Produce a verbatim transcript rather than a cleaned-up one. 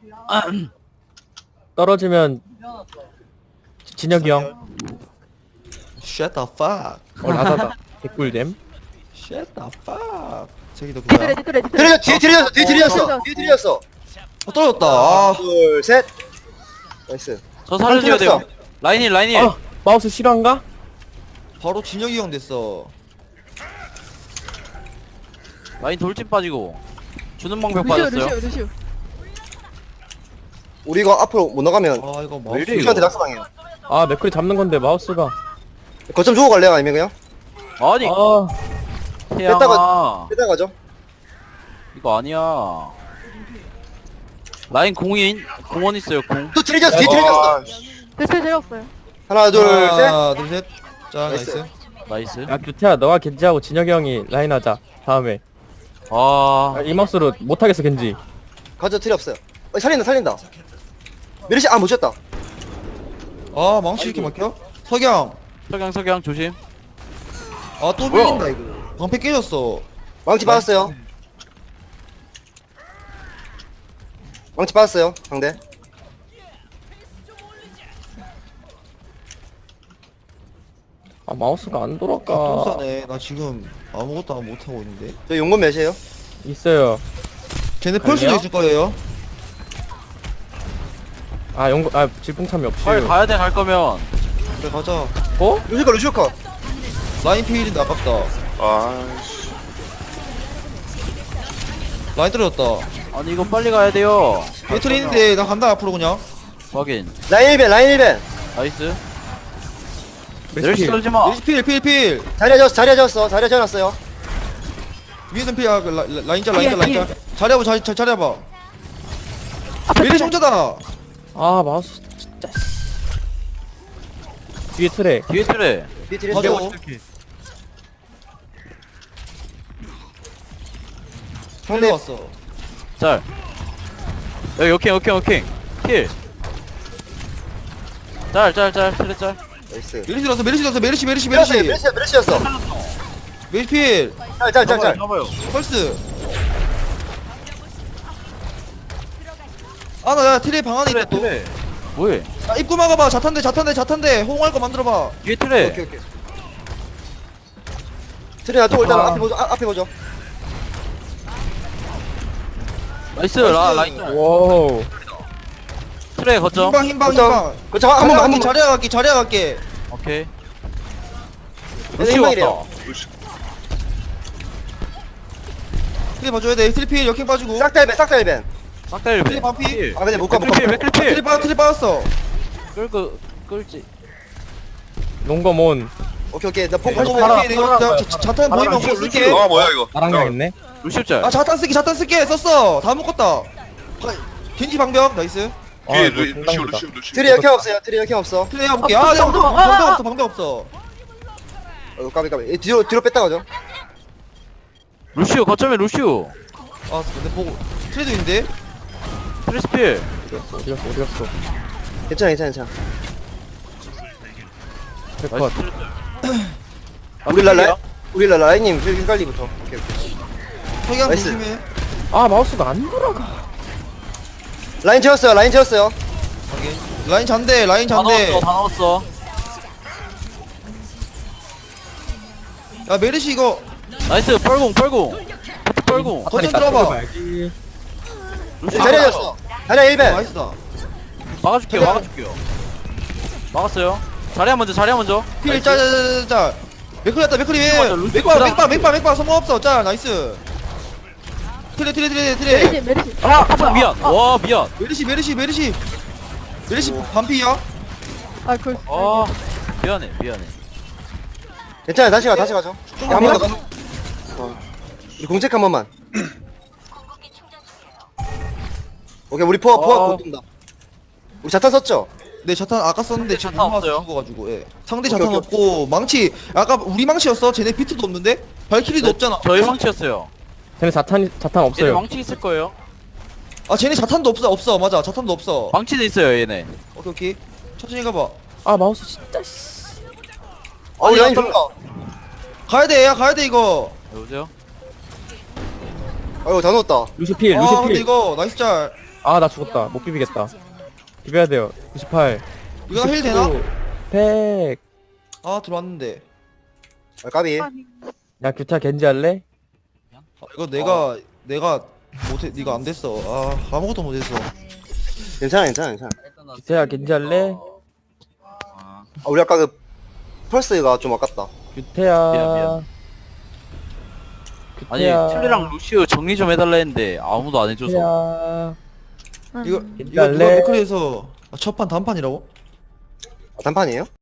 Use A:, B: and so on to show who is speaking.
A: 떨어지면 진혁이 형.
B: Shut the fuck.
A: 어 라다다. 개꿀잼.
B: Shut the fuck. 저기도
C: 뒤틀에
B: 그거야.
C: 뒤틀에 뒤틀에.
D: 들렸어 뒤에 들렸어 뒤에 들렸어 뒤에 들렸어.
B: 어, 떨어졌다. 아,
D: 둘 셋. 나이스.
E: 저 살려줘야
D: 한
E: 돼요. 라인일 라인일.
A: 아 마우스 실화인가?
B: 바로 진혁이 형 됐어.
E: 라인 돌진 빠지고. 주는 방벽
C: 루시오
E: 빠졌어요.
C: 루시오 루시오.
D: 우리 이거 앞으로 못 나가면
B: 아, 이거
E: 왜
B: 마우스.
E: 이래,
D: 루시한테
E: 이거?
D: 낙사당해요.
A: 아 맥클이 잡는 건데 마우스가.
D: 거점 주고 갈래요 아니면 그냥?
E: 아니
A: 아
E: 태양아.
D: 뺐다가- 빼다 가죠.
E: 이거 아니야. 라인 공인 공원 있어요 공.
D: 또 들렸어 뒤에 들렸어.
C: 대체 재웠어요.
D: 하나 둘 셋.
B: 하나, 둘, 셋. 자,
D: 나이스.
B: 나이스.
E: 나이스.
A: 야 규태야 너가 겐지하고 진혁이 형이 라인 하자 다음에.
E: 아
A: 아, 이 마우스로 못하겠어 겐지.
D: 가져 틀이 없어요. 어, 살린다 살린다. 메르시 아못 쳤다.
B: 아, 망치 이렇게 막혀? 석양.
E: 석양 석양 조심.
B: 아, 또
E: 뭐야?
B: 밀린다, 이거. 방패 깨졌어.
D: 망치 받았어요. 망치 받았어요 상대.
A: 아 마우스가 안 돌아가.
B: 똥싸네. 나 지금 아무것도 못하고 있는데.
D: 저 용건 몇이에요?
A: 있어요.
B: 쟤네 펄스도
A: 아니요?
B: 있을 거예요.
A: 아 연구 아 질풍참이 없이.
E: 빨리 가야 돼 갈 거면.
B: 그래, 가자.
A: 어?
D: 루시커 루시커.
B: 라인 피일인데 아깝다.
D: 아씨.
B: 라인 떨어졌다.
E: 아니 이거 빨리 가야 돼요.
B: 배틀이 있는데 나 간다 앞으로 그냥.
E: 확인.
D: 라인 일 벤 라인 일 벤.
E: 나이스.
A: 메르시
E: 내리시 떨지 마.
B: 리스 필, 필, 필.
D: 자리에 졌어 자리에 졌어 자리에 져놨어요.
B: 위에선 필, 아, 그 라, 라, 라인 짤, 라인 짤, 라인 짤. 자리해봐, 자리, 자, 자리해봐. 미리 총자다.
A: 아 마우스 진짜. 뒤에 트레.
E: 뒤에 트레.
D: 뒤에 뒤에
B: 맞아.
D: 졌어.
B: 상대 왔어.
E: 잘. 여기 오케이 오케이 오케이. 킬. 짤짤짤 트레 짤.
D: 나이스.
B: 메리시 왔어, 메리시 왔어, 메리시, 메리시,
D: 메르시
B: 메리시.
D: 메르시 메르시였어.
B: 메리시 필.
D: 짤짤짤짤.
E: 잡아요.
B: 펄스. 아, 나, 나 트레 방 안에
E: 트레
B: 있다 또.
E: 트레. 뭐해?
B: 아, 입구 막아봐. 자탄대, 자탄대, 자탄대. 호응할 거 만들어봐.
E: 뒤에 트레.
D: 오케이 오케이. 트레 나또 일단
B: 아.
D: 앞에 보죠. 아, 앞에 보죠.
E: 나이스 라 라인 짤.
A: 와우.
E: 트레 거점.
B: 흰방, 흰방,
D: 거점.
B: 흰방.
D: 그쵸 한 번만 한 번만.
B: 자리야 갈게, 자리야 갈게.
E: 오케이.
D: 얘네
E: 루시
D: 흰방이래요.
E: 왔다.
B: 트레 봐줘야 돼. 트레 필, 역행 빠지고.
D: 싹다 일 벤 싹다 일 벤.
E: 싹다일
B: 트레 반피.
D: 아 근데 못 가 못 가.
E: 맥클필 맥클필.
B: 트레 빠, 트레 빠졌어.
E: 끌고 끌지.
A: 농검온.
D: 오케이 오케이 나폭
B: 어,
D: 팔십
A: 팔아,
B: 오케이, 내가 자- 자- 자탄 보이면
A: 팔아,
B: 공 쓸게.
F: 아 뭐야 이거?
A: 나랑
F: 잠깐만.
A: 했네.
E: 루시 짤.
B: 아, 자탄 쓸게, 자탄 쓸게. 썼어. 다 묶었다. 겐지 방벽, 나이스.
F: 뒤에
A: 아,
F: 루-
A: 이거
F: 루시오
A: 장난이다.
F: 루시오 루시오.
D: 트레 역행 없어요. 트레 역행 없어.
B: 트레 해볼게. 아, 내가 방벽, 방벽 없어, 방벽 없어.
D: 어 까비 까비. 얘 뒤로 뒤로 뺐다 가죠.
E: 루시오 거점에 루시오.
B: 아, 근데 보고. 트레도 있는데?
E: 트리스필.
A: 어디 갔어 어디 갔어.
D: 괜찮아 괜찮아 괜찮아.
A: 컷.
E: 나이스 트레 짤.
D: 우리 랄라 우리 랄라 라인님 저기 헷갈리부터. 오케이 오케이.
B: 석양
D: 나이스.
B: 조심해.
A: 아 마우스가 안 돌아가.
D: 라인 채웠어요. 라인 채웠어요.
B: 확인. 라인 잔대, 라인
E: 다
B: 잔대.
E: 넣었어 다 넣었어.
B: 야, 메르시 이거.
E: 나이스 뻘공 뻘공. 뻘공.
B: 거점 들어봐.
A: 봐야지.
E: 루시
D: 자리에 졌어. 자리에 일
B: 어,
D: 벤.
B: 나이스다.
E: 막아줄게요 막아줄게요. 막았어요. 자리야 먼저 자리야 먼저.
B: 필, 짤, 짤, 짤, 짤. 맥클 했다, 맥클이
E: 맞아,
B: 왜?
E: 루시
B: 맥바,
E: 맞아.
B: 맥바, 맥바, 맥바, 성공 없어. 짤, 나이스. 트레, 트레, 트레, 트레.
C: 메리시 메리시.
E: 아 아, 미안. 와 미안.
B: 메르시, 메르시, 메르시. 메르시 반피야?
C: 아 그.
E: 아 미안해 미안해.
D: 괜찮아 다시 가 다시 가죠.
B: 좀
D: 한 번 더
B: 가.
D: 가. 어. 우리 공책 한 번만. 오케이 우리 포화 포화
E: 어.
D: 못 뜬다. 우리 자탄 썼죠?
B: 네, 자탄 아까 썼는데 지금
E: 자탄
B: 못
E: 없어요.
B: 죽어가지고. 예. 상대
D: 오케이,
B: 자탄
D: 오케이.
B: 없고 망치. 아까 우리 망치였어. 쟤네 비트도 없는데? 발키리도 없잖아.
E: 저희 망치였어요.
A: 쟤네 자탄 자탄
E: 얘네
A: 없어요.
E: 망치 있을 거예요.
B: 아, 쟤네 자탄도 없어, 없어. 맞아, 자탄도 없어.
E: 망치도 있어요 얘네.
B: 오케이, 오케이. 천천히 가봐.
A: 아 마우스 진짜. 씨.
D: 아 우리
E: 아니,
D: 라인
E: 어떤-
D: 좋다.
B: 가야 돼, 야, 가야 돼 이거.
E: 여보세요?
D: 아이고 다 넣었다.
A: 루시 필
B: 아,
A: 루시
B: 근데
A: 필.
B: 이거 나이스 짤.
A: 아 나 죽었다. 못 비비겠다. 비벼야 돼요. 구십팔.
B: 이거 힐 되나?
A: 백.
B: 아 들어왔는데.
D: 아, 까비.
C: 아니.
A: 야 규타 겐지 할래?
B: 아, 이거 내가 내가 못해. 이거 안 됐어. 아 아무것도 못했어.
D: 괜찮아, 괜찮아, 괜찮아.
A: 규타야 겐지 할래?
D: 아, 우리 아까 그 펄스가 좀 아깝다.
A: 규태야.
E: 미안, 미안. 아니
A: 규태야.
E: 틀리랑 루시오 정리 좀 해달라 했는데 아무도 안 해줘서.
A: 규태야.
C: 응.
B: 이거
A: 겐지
B: 이거 누가
A: 할래?
B: 맥크리에서 아, 첫판 단판이라고?
D: 아, 단판이에요?